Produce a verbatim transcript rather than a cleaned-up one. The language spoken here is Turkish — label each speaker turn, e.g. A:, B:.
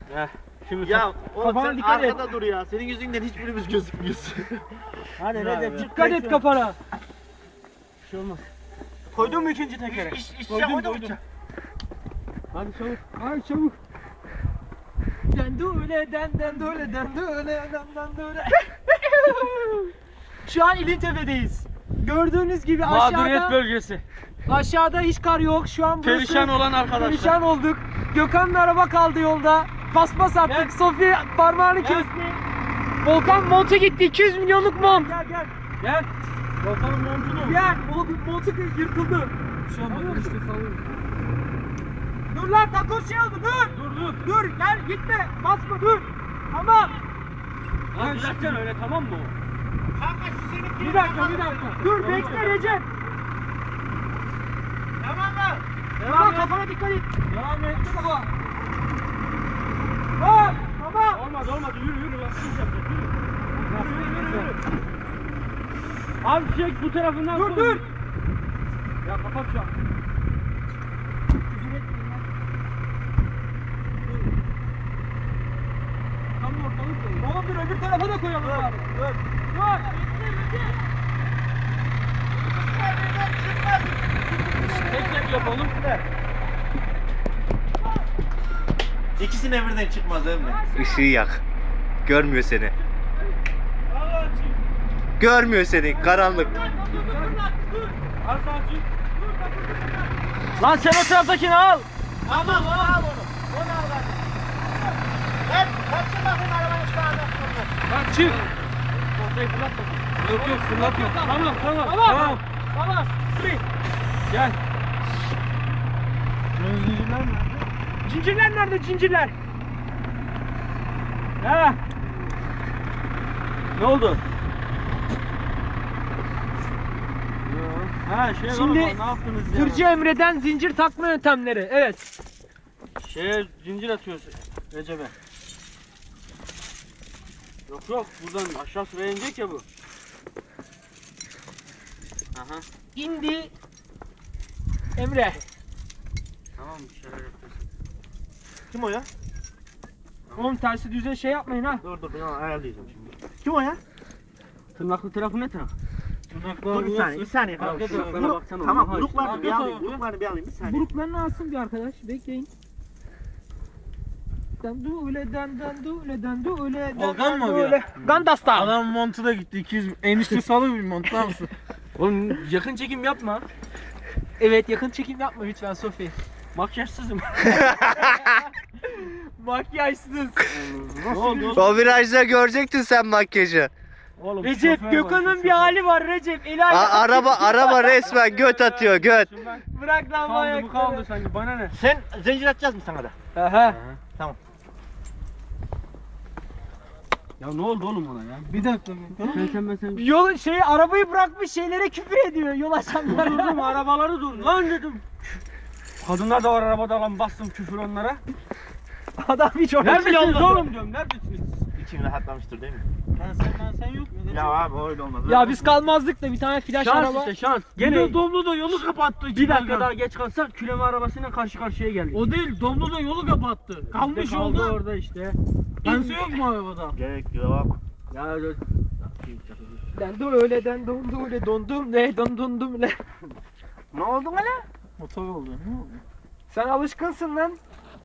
A: Heh. Şimdi
B: Ya oğlum
C: Kafana
B: sen
C: dikkat et.
B: arkada dur ya. Senin yüzünden hiçbirimiz gözükmüyoruz.
C: Hadi Recep
A: dikkat et kafana.
C: Bir şey olmaz.
A: Koydun mu ikinci tekere?
B: İş, iş, iş
C: Koydum,
B: koydum,
C: koydum.
B: koydum.
C: Hadi çabuk. Hadi çabuk.
A: Dendule den dendule dendule den dendule. Şu an İlintepe'deyiz. Gördüğünüz gibi
C: Mağduriyet
A: aşağıda
C: bölgesi.
A: aşağıda hiç kar yok. Şu an burası
C: Perişan olan arkadaşlar.
A: perişan olduk. Gökhan'ın araba kaldı yolda. Paspas attık. Sofi parmağını kesti. Volkan montu gitti. iki yüz milyonluk mont. Gel gel.
C: Gel. Volkan'ın montunu.
A: Gel. O montu yırtıldı.
C: Bir şey olmaz. İşte sallıyorum.
A: Dur lan takoz şey oldu. Dur.
C: Dur dur.
A: Dur gel gitme. Basma dur. Tamam.
C: Lan düzelteceksin öyle tamam mı o?
A: Bir dakika bir dakika. Dur bekle Recep.
B: Tamam mı?
A: Tamam kafana dikkat et.
C: Devam et.
A: Baba. Bak tamam.
C: Olmadı olmadı yürü yürü. Bak siz yapacak yürü. Yürü yürü yürü. Abi çek bu tarafından
A: Dur
C: koy.
A: dur.
C: Ya kapat şu an.
A: Tam ortalık koyun. Oğlum dur öbür tarafa da koyalım abi. Dur. Dur.
C: Tek tek yapalım.
B: İkisine birden çıkmaz değil mi?
D: Işığı yak. Görmüyor seni. Görmüyor seni. Karanlık.
C: Al sakin. Lan sen o taraftakini al.
B: Tamam onu al onu. Onu al hadi. Ver. Kaçın bakayım arabanın şu anda.
C: Bak çık. Ortayı fırlatma. Yok yok fırlatma. Tamam tamam.
A: Tamam.
C: Tamam.
A: Tamam. Dur.
C: Gel. Zincirler mi?
A: Cincirler nerede cincirler? Ha.
C: Ne oldu? Ha şey
A: Şimdi
C: var ama ne yaptınız ya?
A: Tırcı Emre'den zincir takma yöntemleri. Evet.
C: Şeye zincir atıyoruz Recep'e. Yok yok buradan aşağı sıraya inecek ya bu. Aha.
A: İndi. Emre.
C: Tamam bir şeyler yapacağız.
B: Kim o ya?
A: Oğlum tersi düze şey yapmayın ha.
B: Dur dur ben onu ayarlayacağım şimdi. Kim o ya?
C: Tırnaklı tarafı ne taraf?
B: Dur bir saniye, bir saniye.
C: Arka
B: Şu
C: taraflara
B: buruk-
C: baksana,
B: Tamam,
C: oha
B: buruklarını
C: işte.
B: bir
C: Arka
B: alayım,
C: tarafı.
B: buruklarını bir alayım bir saniye.
A: Buruklarını alsın bir arkadaş. Bekleyin. Dandule dan dandule dandule
C: Volkan mı o
A: dandule. Gandasta.
C: Adam montu da gitti iki yüz. Enişte salı bir mont var mısın? Oğlum yakın çekim yapma.
A: Evet yakın çekim yapma lütfen Sofi.
C: Makyajsızım.
A: Makyajsız.
C: Ne oldu oğlum?
D: O virajda görecektin sen makyajı.
C: Oğlum,
A: Recep
C: şoför var,
A: Gökhan'ın
C: şoför.
A: bir hali var Recep. Eli
D: A-
A: ayağı
D: araba araba resmen göt atıyor göt.
C: Şundan
A: bırak lan bu
C: kaldı bu kaldı
A: ayakları.
C: sanki bana ne?
B: Sen zincir atacağız mı sana da?
A: Aha.
C: Ya ne oldu oğlum ona ya? Bir dakika. Sen sen ben sen.
A: Yol şey arabayı bırakmış şeylere küfür ediyor yol
C: Durdum
A: açanlara.
C: arabaları dur lan dedim. Kadınlar da var arabada lan bastım küfür onlara.
A: Adam hiç oraya
C: Neredesiniz oğlum diyorum neredesiniz?
B: İçin rahatlamıştır değil mi?
C: Ben sen ben sen yok mu?
B: Ya abi öyle olmaz.
A: Ya biz kalmazdık da bir tane flash
C: Şans
A: araba.
C: işte şans.
E: Gene
C: Gene
E: Domlu da yolu kapattı.
C: bir dakika daha geç kalsak küleme arabasıyla karşı karşıya geldik.
E: O değil, Domlu da yolu kapattı. Kalmış
C: İşte kaldı
E: yolda.
C: orada işte.
E: Kimse yok mu arabada?
B: Gerek yok.
C: Ya
A: Ben de öyle den dondu öyle dondum ne dondundum ne.
B: Ne oldu lan?
E: Motor oldu. Ne oldu?
A: Sen alışkınsın lan.